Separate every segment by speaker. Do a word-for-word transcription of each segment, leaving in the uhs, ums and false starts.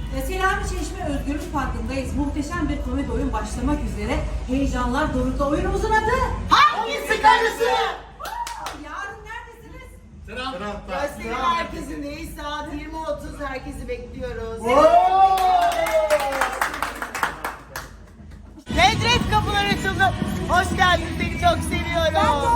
Speaker 1: E, Selami Çeşme Özgürlük Parkı'ndayız. Muhteşem bir komedi oyun başlamak üzere. Heyecanlar dorukta. Oyunumuzun adı...
Speaker 2: Hangisi karısı?
Speaker 1: Yarın neredesiniz?
Speaker 2: Gösteri merkezindeyiz. Saat yirmi otuz. Herkesi bekliyoruz. Nedret kapılar açıldı. Hoş geldin. Seni çok seviyorum.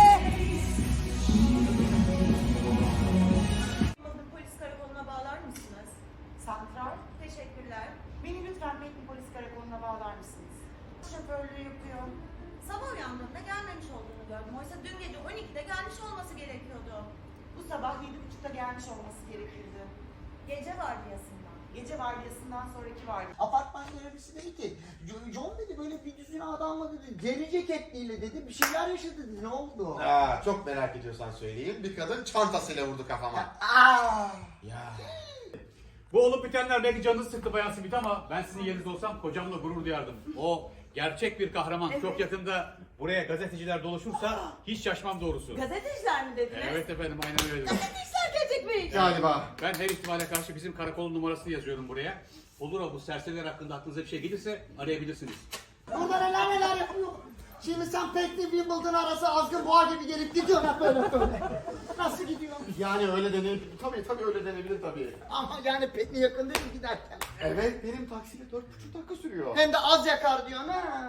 Speaker 3: Polis karakoluna bağlar mısınız?
Speaker 2: Santral.
Speaker 3: Teşekkürler.
Speaker 2: Beni lütfen Bekli Polis Karakolu'na bağlar mısınız? Şoförlüğü yapıyor.
Speaker 3: Sabah uyandığımda gelmemiş olduğunu gördüm. Oysa dün gece on ikide gelmiş olması gerekiyordu.
Speaker 2: Bu sabah yedi buçukta gelmiş olması gerekirdi.
Speaker 3: Gece vardiyasından.
Speaker 2: Gece vardiyasından sonraki vardiya. Apartman görevlisi dedi ki, "Jo- John dedi böyle bir düzine adamla dedi, deri ceketliyle dedi, bir şeyler yaşadı dedi, ne oldu?"
Speaker 4: Aa, çok merak ediyorsan söyleyeyim. Bir kadın çantasıyla vurdu kafama.
Speaker 2: Aa!
Speaker 4: Ya.
Speaker 5: Bu olup bitenler belki canınızı sıktı Bayan Simit ama ben sizin yerinizde olsam kocamla gurur duyardım. O gerçek bir kahraman. Çok yakında buraya gazeteciler doluşursa hiç şaşmam doğrusu.
Speaker 3: Gazeteciler mi dediniz?
Speaker 5: Evet efendim, aynen öyle.
Speaker 3: Gazeteciler gelecek mi?
Speaker 4: Galiba.
Speaker 5: Ben her ihtimale karşı bizim karakolun numarasını yazıyorum buraya. Olur o bu serseriler hakkında aklınıza bir şey gelirse arayabilirsiniz.
Speaker 2: Burada neler neler yapıyor. Şimdi sen Pekli Wimbledon arası azgın boğa gibi gelip gidiyorsun hep böyle böyle. Nasıl gidiyor?
Speaker 4: Yani öyle denebilir. Tabii tabii öyle denebilir tabii.
Speaker 2: Ama yani Pekli yakın değil mi giderken?
Speaker 4: Evet, benim taksiyle dört buçuk dakika sürüyor.
Speaker 2: Hem de az yakar diyorsun ha.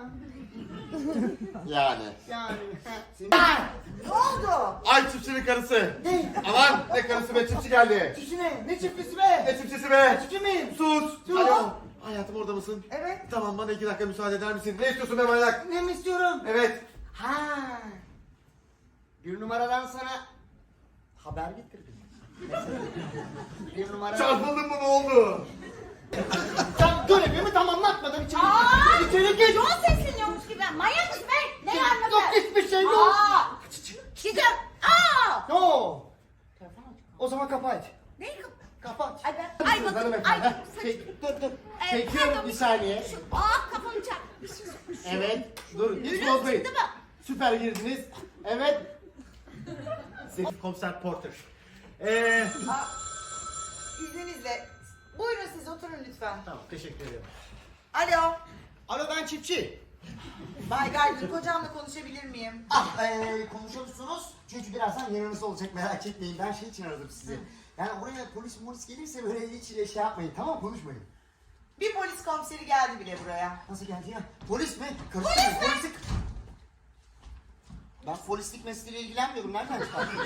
Speaker 4: Yani.
Speaker 2: Yani. Senin... Ne oldu?
Speaker 4: Ay çiftçinin karısı.
Speaker 2: Ne?
Speaker 4: Aman ne karısı be, çiftçi geldi.
Speaker 2: Çiftçi ne? Ne çiftçisi be?
Speaker 4: Ne çiftçisi be?
Speaker 2: Çiftçi miyim?
Speaker 4: Sus.
Speaker 2: Sus.
Speaker 4: Alo. Hayatım orada mısın?
Speaker 2: Evet.
Speaker 4: Tamam, bana iki dakika müsaade eder misin? Ne istiyorsun be manyak?
Speaker 2: Ne mi istiyorum?
Speaker 4: Evet.
Speaker 2: Ha. Bir numaradan sana haber getirdim. Bir numara.
Speaker 4: Çarpıldın mı, ne oldu?
Speaker 2: Sen görevimi tamamlatmadan içeri
Speaker 3: Aa!
Speaker 2: gir. İçeri gir.
Speaker 3: Yol sesleniyormuş gibi. Manyak mısın be? Ne anladın?
Speaker 2: Yok hiçbir şey yok.
Speaker 3: Aa! Gideceğim. Aa!
Speaker 2: Yo. O zaman kapat.
Speaker 3: Neyi kap...
Speaker 2: Kapat.
Speaker 3: Ay ben... Ay bakın. Ay
Speaker 2: Hanımefendi.
Speaker 3: saç...
Speaker 2: Çek, dur dur.
Speaker 3: Ee,
Speaker 2: Çekiyorum
Speaker 3: pardon.
Speaker 2: bir saniye.
Speaker 3: Şu... Aa kafamı çarp.
Speaker 2: Evet. Dur. Hiç
Speaker 3: Yürüyorsun
Speaker 2: bozmayın.
Speaker 3: değil mi?
Speaker 2: Süper girdiniz. Evet. Siz komiser Porter. Ee,
Speaker 6: İzninizle. Buyurun siz oturun lütfen.
Speaker 2: tamam teşekkür ederim.
Speaker 6: Alo.
Speaker 2: Alo ben çiftçi.
Speaker 6: Bay Gargın kocamla konuşabilir miyim?
Speaker 2: Ah ee, konuşuyorsunuz. Çünkü birazdan yanınızda olacak merak etmeyin. Ben şey için aradım sizi. Yani oraya polis polis gelirse böyle hiç şey yapmayın, tamam mı? Konuşmayın.
Speaker 6: Bir polis komiseri geldi bile buraya.
Speaker 2: Nasıl geldi ya? Polis mi? Karıştırmayın. Polis mi? Ben polislik mesleğiyle ilgilenmiyorum. Nereden çıkardın?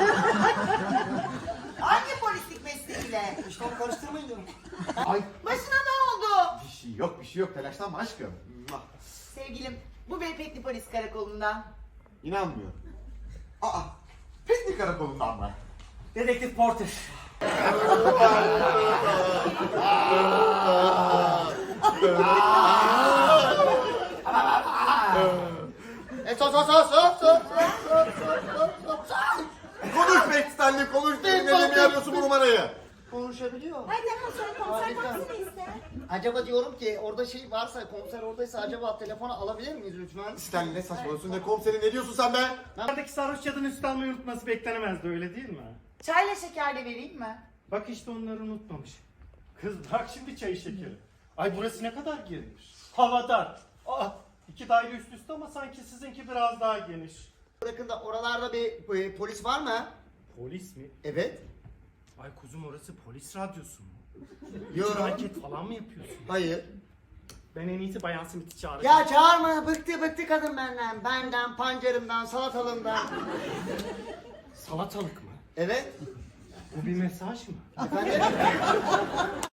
Speaker 6: Hangi polislik mesleğiyle?
Speaker 2: İşte onu karıştırmayın diyorum.
Speaker 4: Ay.
Speaker 6: Başına ne oldu?
Speaker 4: Bir şey yok, bir şey yok. Telaşlanma aşkım.
Speaker 6: Sevgilim, bu Beypekli Polis Karakolu'ndan.
Speaker 4: İnanmıyorum. Aa, Pekli karakolundan mı?
Speaker 2: Dedektif Porter. E sos sos sos sos sos sos sos sos sos.
Speaker 4: Konuş be Stanley, konuş. Benim elimi arıyorsun bu numarayı.
Speaker 2: Konuşabiliyor.
Speaker 3: Ay tamam sonra komiser
Speaker 2: Harika.
Speaker 3: baksın iste.
Speaker 2: Acaba diyorum ki orada şey varsa, komiser oradaysa acaba telefonu alabilir miyiz lütfen?
Speaker 4: Stanley ne saçmalıyorsun, ne komiseri, ne diyorsun sen be?
Speaker 7: Oradaki sarhoş cadının üst almayı unutması beklenemezdi, öyle değil mi?
Speaker 6: Çayla şeker de vereyim mi?
Speaker 7: Bak işte onları unutmamış. Kız bırak şimdi çayı şekeri. Ay burası ne kadar geniş. Havadar. Ah, iki daire üst üste ama sanki sizinki biraz daha geniş.
Speaker 2: Bırakın da oralarda bir e, polis var mı?
Speaker 7: Polis mi?
Speaker 2: Evet.
Speaker 7: Ay kuzum orası polis radyosu mu?
Speaker 2: Yok.
Speaker 7: Anket falan mı yapıyorsun?
Speaker 2: Hayır.
Speaker 7: Ben en iyisi Bayan Smith'i çağıracağım.
Speaker 2: Ya çağırma, bıktı bıktı kadın benden. Benden, pancarımdan, salatalımdan.
Speaker 7: Salatalık mı?
Speaker 2: Evet.
Speaker 7: Bu bir mesaj mı?
Speaker 2: Efendim?